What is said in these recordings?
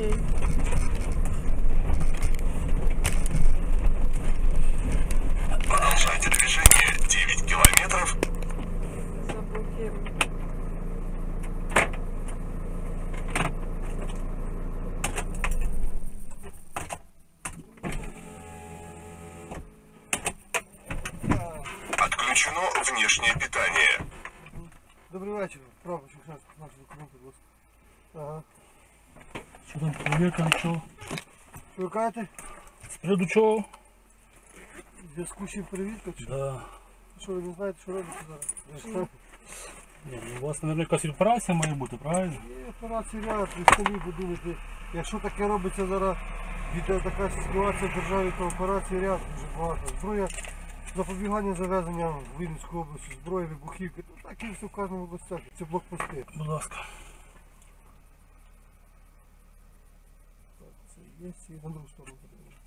Окей. Продолжайте движение 9 километров. Заблокируй. Отключено внешнее питание. Добрий вечір. Право, що зараз наші документи, будь ласка. Ага. Що там, перевірка, чого? Що ви кажете? З приводу чого? В зв'язку з чим перевірка? Чи? Да. Що ви не знаєте, що робите зараз? Ні, ну, у вас, мабуть, якась операція має бути, правильно? Є операція ряд, ви самі подумайте. Якщо таке робиться зараз, від така ситуація в державі, то операція ряд дуже багато. Зброя, запобігання завезення в Вінницьку область, зброя, вибухівки, то так і все в кожному областях. Це блокпости. Будь ласка. Так, це є, і на другу сторону подивимося.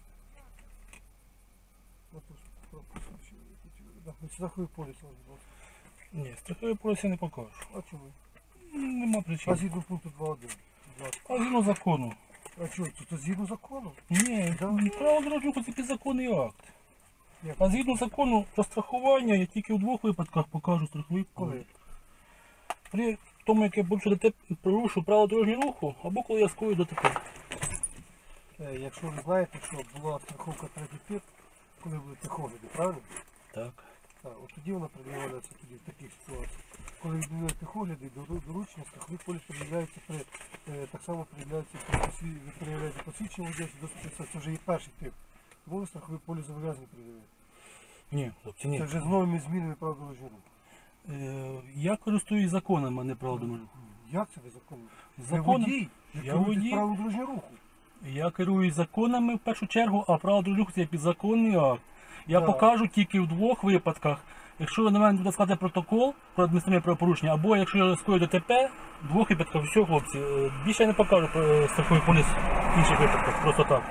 На ту пропуск. Страховий поліс, будь ласка. Ні, страховий поліс я не покажу. А чому? Нема А причин. згідно пункту 2.1, будь ласка. А згідно закону. А що, це згідно закону? Ні, право дорожнього руху це підзаконний акт. Як? А згідно закону про страхування я тільки в двох випадках покажу страховий Коли? поліс. При тому, як я порушу право дорожнього руху, або коли я скою ДТП. Якщо ви знаєте, що була страховка третій тип, коли були техогляди, правильно? Так. Так, от тоді вона пред'являється тоді в таких ситуаціях. Коли відбувають техогляди, доручення, страховий поліс пред'являється так само пред'являється ви пред'являєте посвідчення водійства, це вже є перший тип. Тому ви страховий поліс зобов'язані пред'являти. Ні, хлопці, ні. Це вже з новими змінами прав дорожнього руху. Я користуюсь законами, а не правом дорожнього руху. Як це ви законно? Ви Законом? водій, ви Я керуєтесь водій. правом дорожнього руху. Я керуюсь законами в першу чергу, а право дорожнього руху це підзаконний акт. Я Так. покажу тільки в двох випадках. Якщо ви на мене буде складати протокол про адміністративне правопорушення, або якщо я скою ДТП, в двох випадках, все, хлопці, більше я не покажу про страховий поліс в інших випадках, просто так.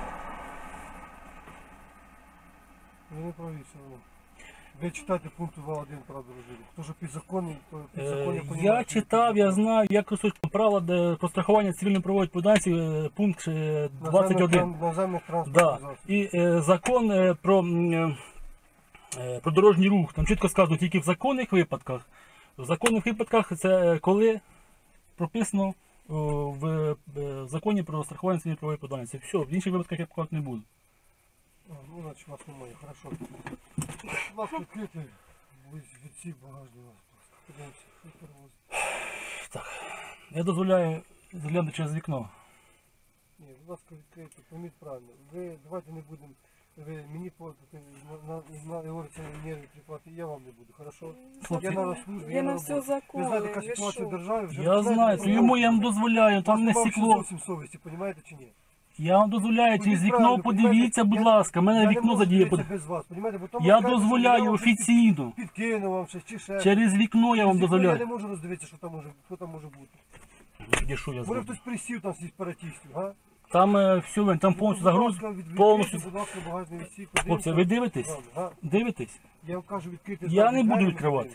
Ви не праві все одно. Ви читайте пункт 2.1 прав дорожнього руху. Хто ж підзаконний, то підзаконня Я понімаєте. читав, я знаю, я користуюсь правила про страхування цивільної правової відповідальності, пункт 21. Наземних транспортних Да. засобів. І закон про дорожній рух, там чітко сказано тільки в законних випадках. В законних випадках це коли прописано в законі про страхування цивільної правової відповідальності. Все, в інших випадках я показувати не буду. Ну, значить вас немає, хорошо. Будь ласка, відкрити від всіх багажні вас. Подивимося, що перевозить. Так, я дозволяю заглянути через вікно. Ні, будь ласка, відкрийте, пойміть правильно. Ви давайте не будемо, ви мені платите, говориться, нерві тріпати, я вам не буду, хорошо? Хлопці, Я на службі, Я я на на все роботі. закони, Ви знаєте, яка ви ситуація в що? державі? Вже Я починаєте знаю, розмовляти. йому я вам дозволяю, там не Вас стекло. зовсім совісті, розумієте чи ні? Я вам дозволяю, через Ходіть вікно правильно, подивіться, понімаєте? будь ласка, в Я мене не вікно можу задіє. дивитися без вас, понімаєте? Бо тому Я кажете, що дозволяю вам офіційно. підкину вам щось чи ще. Через вікно я вам Я не дозволяю. можу роздивитися, що там може бути. Тоді що я Може зроблю? хтось присів там з сепаратистів, га? Там все, там повністю загруз, повністю. Будь ласка, багажний відсік. Хлопці, ви дивитесь? Га? Дивитесь? Я вам кажу відкрити. Я не буду відкривати.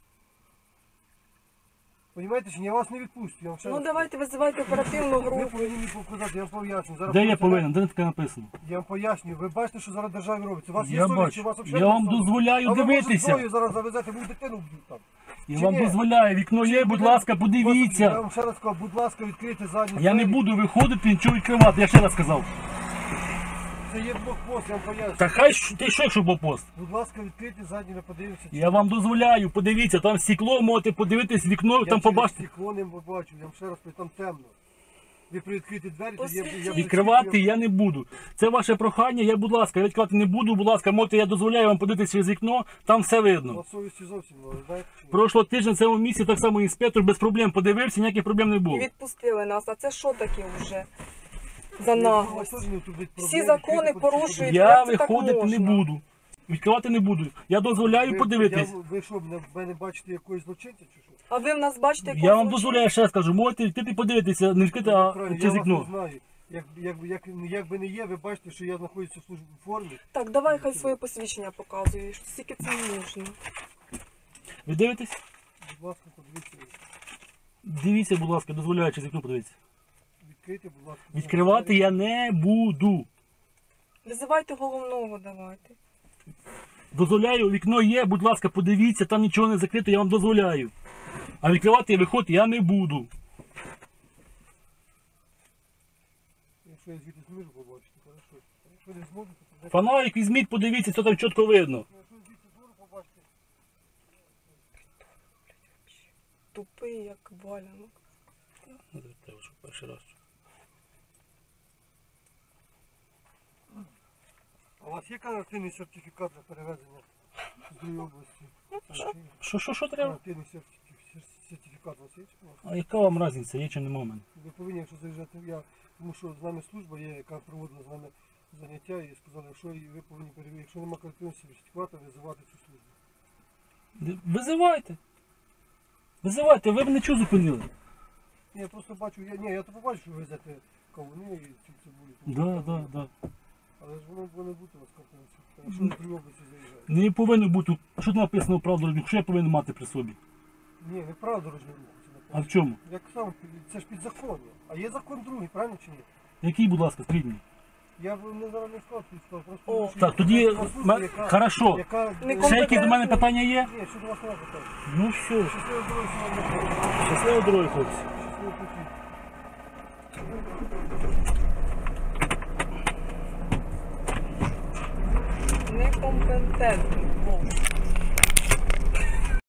Понімаєте, що я вас не відпустю. Я вам ще Ну раз давайте визивайте оперативну кажу. Ви групу. повинні мені показати, я вам поясню. Зараз Де я поліція- повинен? Де не таке написано? Я вам поясню. Ви бачите, що зараз в державі робиться. У вас є Я совість, чи у бачу. вас Я взагалі вам немає совісті? дозволяю А ви, може, дивитися. зброю зараз завезете, ви дитину вб'ють там. Я Чи вам ні? дозволяю, вікно є, будь ласка, Я подивіться. вам ще раз кажу, будь ласка, відкрийте задню Я не двері. буду виходити, нічого відкривати, я ще раз сказав. Це є блокпост, я вам поясню. Та хай ти що, якщо був пост? Будь ласка, відкрийте задню, ми подивимося. Я вам дозволяю, подивіться, там стекло, можете подивитись вікно, Я там через побачите. стекло не побачу, я вам ще раз кажу, там темно. Ви привідкрийте двері, тоді Посвітіть. Відкривати я не буду. Це ваше прохання, я, будь ласка, я відкривати не буду, будь ласка, можете, я дозволяю вам подивитися через вікно, там все У видно. вас совісті зовсім немає, знаєте? чи ні? Прошлого тижня в цьому місці так само інспектор без проблем подивився, ніяких проблем не І було. відпустили нас. А це що таке вже? За У вас наглость. теж не тут будуть Всі проблеми, закони відкрийте, порушують. Я Як це так виходити не можна? буду. Відкривати не буду. Я дозволяю подивитись. Ви що, мене бачите якоїсь злочинця чи що? А ви в нас бачите, Я якого вам злочину? дозволяю, ще раз кажу, можете відкрити подивитися, не відкрити, а Правильно, через я вас вікно. не знаю. Як би не є, ви бачите, що я знаходжуся в службі в формі. Так, давай хай своє посвідчення показуєш. Скільки це можна? Ви дивитесь? Будь ласка, подивіться. Дивіться, будь ласка, дозволяю через вікно подивитися. Відкрийте відкрийте, будь ласка. Відкривати я не буду. Визивайте головного, давайте. Дозволяю, вікно є, будь ласка, подивіться, там нічого не закрито, я вам дозволяю. А відкривати і виходити я не буду. Якщо я звідти зможу побачити, хорошо. Якщо не зможу, то тоді... Фонарик візьміть, подивіться, що там чітко видно. Якщо звідти зможу побачити, Тупий, як валянок. Треба, щоб перший раз. а у вас є карантинний сертифікат на перевезення з другої області? Що треба? Карантинний сертифікат у вас є? А яка вам різниця, є чи нема в мене? Ви повинні, якщо заїжджати, тому що з нами служба є, яка проводила з нами заняття і сказали, якщо ви повинні перевірити, якщо немає карантинного сертифіката, визивати цю службу. Визивайте. Визивайте, ви мене чого зупинили? Ні, я просто бачу, я то побачу, що ви везете кавуни і ці цибулі. Да. Але ж воно повинно бути у вас карантинний сертифікат, якщо ви з другої області заїжджаєте. Не повинно бути. Що там написано в правду, що я повинен мати при собі? Ні, не право дорожнього руху. Це А написано. в чому? Як сам, це ж підзаконня. А є закон другий, правильно чи ні? Який, будь ласка, скажіть мені? Я б не зараз не сказав, просто О, що Так, тоді, є служба, хорошо. яка... Не Ще якісь до мене питання є? Ні, що до вас не питання. Ну все. Щасливо здоров'я, сьогодні. Щасливої дороги, хлопці. Щасливо путі. Некомпетентний.